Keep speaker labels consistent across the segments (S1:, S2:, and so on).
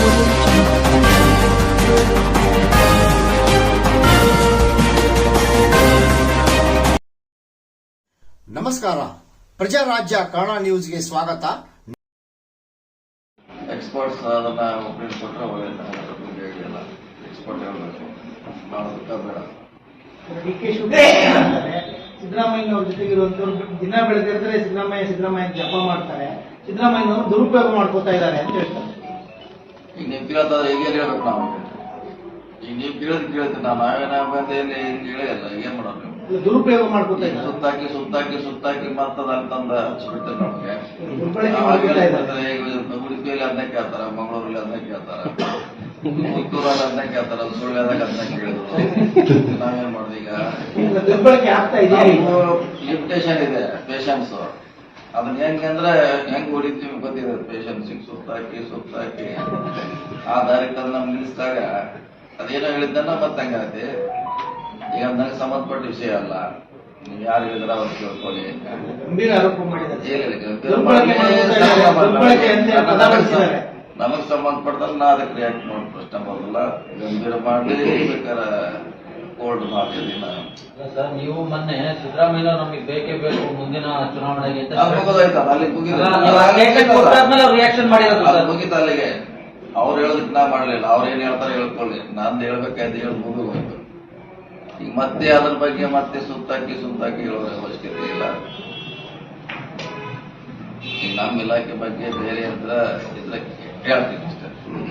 S1: ನಮಸ್ಕಾರ, ಪ್ರಜಾರಾಜ್ಯ ಕನ್ನಡ ನ್ಯೂಸ್ಗೆ ಸ್ವಾಗತ.
S2: ಎಕ್ಸ್ಪರ್ಟ್ಸ್ ಅದನ್ನ ಒಪ್ಪಿಗೆ ಕೊಟ್ಟರೆ ಒಳ್ಳೆಯಲ್ಲ. ಎಕ್ಸ್ಪರ್ಟ್ ಹೇಳಬೇಕು, ಮಾಡೋದಕ್ಕೆ ಬೇಡ.
S3: ಡಿಕೆ ಶಿವಕುಮಾರ್ ಸಿದ್ದರಾಮಯ್ಯ ಅವ್ರ ಜೊತೆಗಿರುವಂತವ್ರು ದಿನ ಬೆಳೆದಿರ್ತಾರೆ. ಸಿದ್ದರಾಮಯ್ಯ ಜಪ ಮಾಡ್ತಾರೆ. ಸಿದ್ದರಾಮಯ್ಯನವರು ದುರುಪಯೋಗ ಮಾಡ್ಕೋತಾ ಇದ್ದಾರೆ ಅಂತ ಹೇಳ್ತಾರೆ.
S2: ಈಗ ನೀವು ಕೇಳ್ತಾದ್ರೆ ಹೇಗೆ ಹೇಳ್ಬೇಕು ನಾವು? ಈಗ ನೀವು ಕೇಳ್ತೀವಿ ನಾವೇನ ಬಂದೇಲಿ ಹೇಳಿಲ್ಲ. ಏನ್ ಮಾಡೋದು? ನೀವು
S3: ದುರುಪಯೋಗ ಮಾಡ್ಕೋತಾ ಇದ್ದಾರೆ.
S2: ಸುತ್ತಾಕಿ ಮತ್ತದ ಅಂತಂದ ಹಚ್ಚಿಬಿಡ್ತಾರೆ ನಮಗೆ. ಉಡುಪಿಯಲ್ಲಿ ಅದನ್ನ ಕೇಳ್ತಾರ, ಮಂಗಳೂರಲ್ಲಿ ಅದನ್ನ ಕೇಳ್ತಾರ, ಪುತ್ತೂರಲ್ಲಿ ಅದನ್ನ ಕೇಳ್ತಾರ, ಸುಳ್ಳ್ಯದಾಗ ಅದನ್ನ ಕೇಳಿದ್ರು. ನಾವೇನ್ ಮಾಡುದು? ಈಗ
S3: ದುರ್ಬಳಕೆ ಆಗ್ತಾ ಇದೆ.
S2: ಲಿಮಿಟೇಷನ್ ಇದೆ ಪೇಷನ್ಸ್. ಅದನ್ನ ಹೆಂಗಂದ್ರೆ ಹೆಂಗ್ ಹೊಡಿತೀವಿ ಗೊತ್ತಿದೆ. ಪೇಷನ್ಸಿಗೆ ಸುತ್ತಾಕಿ ಆ ದಾರಿ ತಂದು ನಮ್ಗೆ ನಿಲ್ಲಿಸಿದಾಗ ಅದೇನೋ ಹೇಳಿದ್ದನ್ನ ಮತ್ತೆ ಹಂಗಾಗತ್ತೆ. ಈಗ ನನಗೆ ಸಂಬಂಧಪಟ್ಟ ವಿಷಯ ಅಲ್ಲ. ನೀವು ಯಾರು ಹೇಳಿದ್ರ ಅವ್ರು ಕೇಳ್ಕೊಳ್ಳಿ.
S3: ಗಂಭೀರ ಆರೋಪ ಮಾಡಿದ್ದಾರೆ.
S2: ನಮಗ್ ಸಂಬಂಧಪಟ್ಟದಲ್ಲಿ ನಾ ಅದಕ್ಕೆ ರಿಯಾಕ್ಟ್ ಮಾಡಿ ಪ್ರಶ್ನೆ ಮಾಡೋದಿಲ್ಲ. ಗಂಭೀರ ಮಾಡಿ ಬೇಕಾರ ಕೋಲ್ಡ್ ಮಾಡ್ತೀವಿ.
S4: ಸರ್, ನೀವು ಮೊನ್ನೆ ಸಿದ್ದರಾಮಯ್ಯ ನಮಗೆ ಬೇಕೇ ಬೇಕು ಮುಂದಿನ ಚುನಾವಣೆಗೆ ರಿಯಾಕ್ಷನ್ ಮಾಡಿರೋದು
S2: ಮುಗಿತ ಅಲ್ಲಿಗೆ. ಅವ್ರು ಹೇಳೋದಕ್ಕೆ ನಾ ಮಾಡ್ಲಿಲ್ಲ. ಅವ್ರು ಏನ್ ಹೇಳ್ತಾರೆ ಹೇಳ್ಕೊಳ್ಳಿ. ನಂದು ಹೇಳ್ಬೇಕಾಯ್ತು, ಹೇಳಿ ಮುಗಿದು ಈಗ ಮತ್ತೆ ಅದ್ರ ಬಗ್ಗೆ ಮತ್ತೆ ಸುತ್ತಾಕಿ ಹೇಳೋ ಅವಶ್ಯಕತೆ ಇಲ್ಲ. ಈಗ ನಮ್ಮ ಇಲಾಖೆ ಬಗ್ಗೆ ಬೇರೆ ಇದ್ರೆ ಹೇಳ್ತೀನಿ ಅಷ್ಟೇ.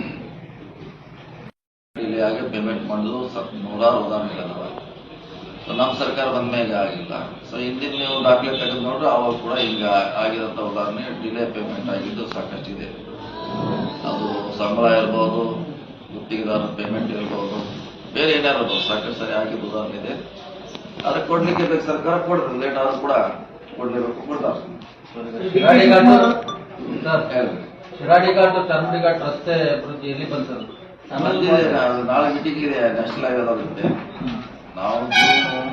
S2: ಇಲ್ಲಿ ಆಗಿ ಪೇಮೆಂಟ್ ಮಾಡೋದು ನೂರಾರು ಉದಾಹರಣೆಗಳವ. ಸೊ ನಮ್ಮ ಸರ್ಕಾರ ಬಂದ ಮೇಲೆ ಆಗಿಲ್ಲ. ಸೊ ಹಿಂದಿನ ನೀವು ದಾಖಲೆ ತೆಗೆದು ನೋಡ್ರೆ ಅವಾಗ ಕೂಡ ಈಗ ಆಗಿರೋಂಥ ಉದಾಹರಣೆ ಡಿಲೇ ಪೇಮೆಂಟ್ ಆಗಿದ್ದು ಸಾಕಷ್ಟಿದೆ. ಅದು ಸಂಬಳ ಇರ್ಬೋದು, ಗುತ್ತಿಗೆದಾರ ಪೇಮೆಂಟ್ ಇರ್ಬೋದು, ಬೇರೆ ಏನಾರು ಇರ್ಬೋದು, ಸಾಕಷ್ಟು ಸರಿ ಆಗಿದ್ದು ಉದಾಹರಣೆ ಇದೆ. ಅದಕ್ಕೆ ಕೊಡ್ಲಿಕ್ಕೆ ಬೇಕು, ಸರ್ಕಾರ ಕೊಡ್ತದೆ. ಲೇಟ್ ಆದ್ರೂ ಕೂಡ ಕೊಡ್ಲೇಬೇಕು, ಕೊಡ್ತಾರೆ.
S4: ಶಿರಾಡಿ ಘಾಟ್ ಚರ್ಮಡಿ ಘಾಟ್ ರಸ್ತೆ ಅಭಿವೃದ್ಧಿ ಎಲ್ಲಿ ಬಂತು?
S2: ನಾಳೆ ಮೀಟಿಂಗ್ ಇದೆ, ನ್ಯಾಷನಲ್ ಹೈವೇ ಅದಕ್ಕೆ. ನಾವು ಜೂನ್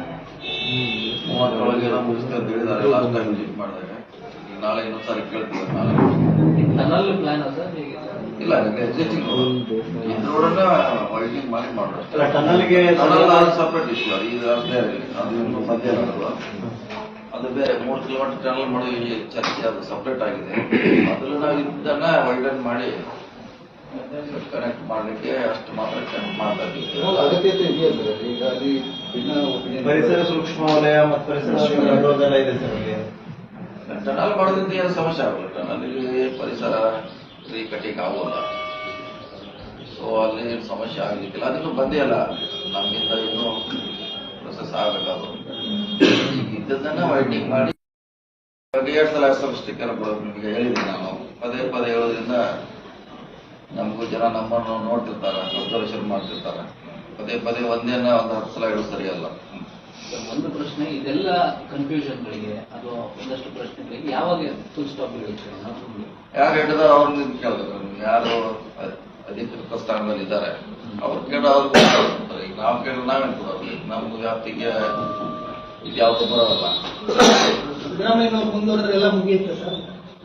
S2: 30 ಮುಗಿಸ್ತೇವೆ ಅಂತ ಹೇಳಿದ್ದಾರೆ ಲಾಸ್ಟ್ ಟೈಮ್ ವಿಸಿಟ್ ಮಾಡಿದಾಗ. ಈಗ ನಾಳೆ ಇನ್ನೊಂದ್ಸಾರಿ ಕೇಳ್ತೀವಿ. ನಾಳೆ
S4: ಟನಲ್ ಪ್ಲಾನ್
S2: ಇಲ್ಲ, ಎಕ್ಸಿಸ್ಟಿಂಗ್ ರೋಡನ್ನ ವೈಡಿಂಗ್ ಮಾಡಿ ಮಾಡೋದು. Separate issue. ಈಗ ಬೇರೆ ಅದು ಇನ್ನು ಮಧ್ಯ ಅದು ಬೇರೆ 3 ಕಿಲೋಮೀಟರ್ ಟನಲ್ ಮಾಡಿ ಚರ್ಚೆ, ಅದು ಸಪ್ರೇಟ್ ಆಗಿದೆ. ಅದ್ರಲ್ಲಿ ನಾವು ಇದನ್ನ ವೈಡನ್ ಮಾಡಿ ಕನೆಕ್ಟ್ ಮಾಡ್ಲಿಕ್ಕೆ ಅಷ್ಟು ಮಾತ್ರ ಕನೆಕ್ಟ್ ಮಾಡ್ತಾ ಇದ್ದೀವಿ.
S5: ಅಗತ್ಯತೆ ಇದೆಯಾ ಸರ್? ಈಗ ಅಲ್ಲಿ ಪರಿಸರ ಸೂಕ್ಷ್ಮ ವಲಯ ಮತ್ತು ಪರಿಸರ ಇದೆ ಸರ್.
S2: ಟನಲ್ ಮಾಡೋದ್ರಿಂದ ಏನು ಸಮಸ್ಯೆ ಆಗಲ್ಲ. ಟನಲ್ ಪರಿಸರ ಕಟ್ಟಿಗೆ ಆಗೋಲ್ಲ. ಸೊ ಅಲ್ಲಿ ಸಮಸ್ಯೆ ಆಗ್ಲಿಕ್ಕಿಲ್ಲ. ಅದಿನ್ನೂ ಬಂದೇ ಇಲ್ಲ. ನಮ್ಮಿಂದ ಇನ್ನೂ ಪ್ರೊಸೆಸ್ ಆಗಬೇಕಾದ್ರು ಇದ್ದದನ್ನ ವೈಡಿಂಗ್ ಮಾಡಿ 2 ಸಲ ಸ್ಟಿಕ್ಕರ್ ಕೊಡೋದು ನಿಮಗೆ ಹೇಳಿದ್ದೀನಿ ನಾನು. ಪದೇ ಹೇಳೋದ್ರಿಂದ ನಮಗೂ ಜನ ನಮ್ಮನ್ನು ನೋಡ್ತಿರ್ತಾರೆ, ಅಬ್ಸರ್ವೇಷನ್ ಮಾಡ್ತಿರ್ತಾರೆ. ಪದೇ ಒಂದೇನ 10 ಸಲ ಹೇಳೋದು ಸರಿಯಲ್ಲ.
S4: ಒಂದು ಪ್ರಶ್ನೆ, ಇದೆಲ್ಲ ಕನ್ಫ್ಯೂಷನ್ಗಳಿಗೆ ಅಥವಾ ಒಂದಷ್ಟು ಪ್ರಶ್ನೆಗಳಿಗೆ ಯಾವಾಗ ಫುಲ್ ಸ್ಟಾಪ್ ಹೇಳುತ್ತೆ?
S2: ಯಾರು ಹೇಳಿದ್ರೆ ಅವ್ರನ್ನ ಕೇಳಬೇಕು. ಯಾರು ಅಧಿಕೃತ ಸ್ಥಾನದಲ್ಲಿ ಇದ್ದಾರೆ ಅವ್ರು ಕೇಳ ಅವ್ರು ಕೊಡ್ತಾರೆ. ಈಗ ನಾವು ಕೇಳಿದ್ರೆ ನಾವೇನು ಕೊಡೋದು? ನಮ್ಮ ವ್ಯಾಪ್ತಿಗೆ ಇದು ಯಾವುದು ಬರೋಲ್ಲ.
S3: ಸಿದ್ದರಾಮಯ್ಯನವ್ರು ಮುಂದುವರೆದ್ರೆ ಎಲ್ಲ ಮುಗಿಯುತ್ತೆ ಸರ್.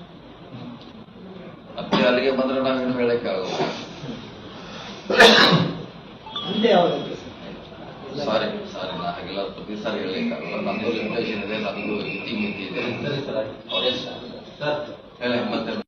S2: ಮತ್ತೆ ಅಲ್ಲಿಗೆ ಬಂದ್ರೆ ನಾವೇನು ಹೇಳಕ್ಕೆ ಆಗೋಲ್ಲ.
S3: ಅಂತೆ ಯಾವಾಗ?
S2: ಸಾರಿ ನಾ ಹಾಗೆಲ್ಲ ಪ್ರತಿ ಸಾರಿ ಹೇಳಲಿಕ್ಕಾಗಲ್ಲ. ನಮ್ದು ಲಿಮಿಟೇಷನ್ ಇದೆ, ನಮ್ದು ಇತಿ ಇದೆ.
S4: ಸರ್
S2: ಹೇಳಿ ಮತ್ತೆ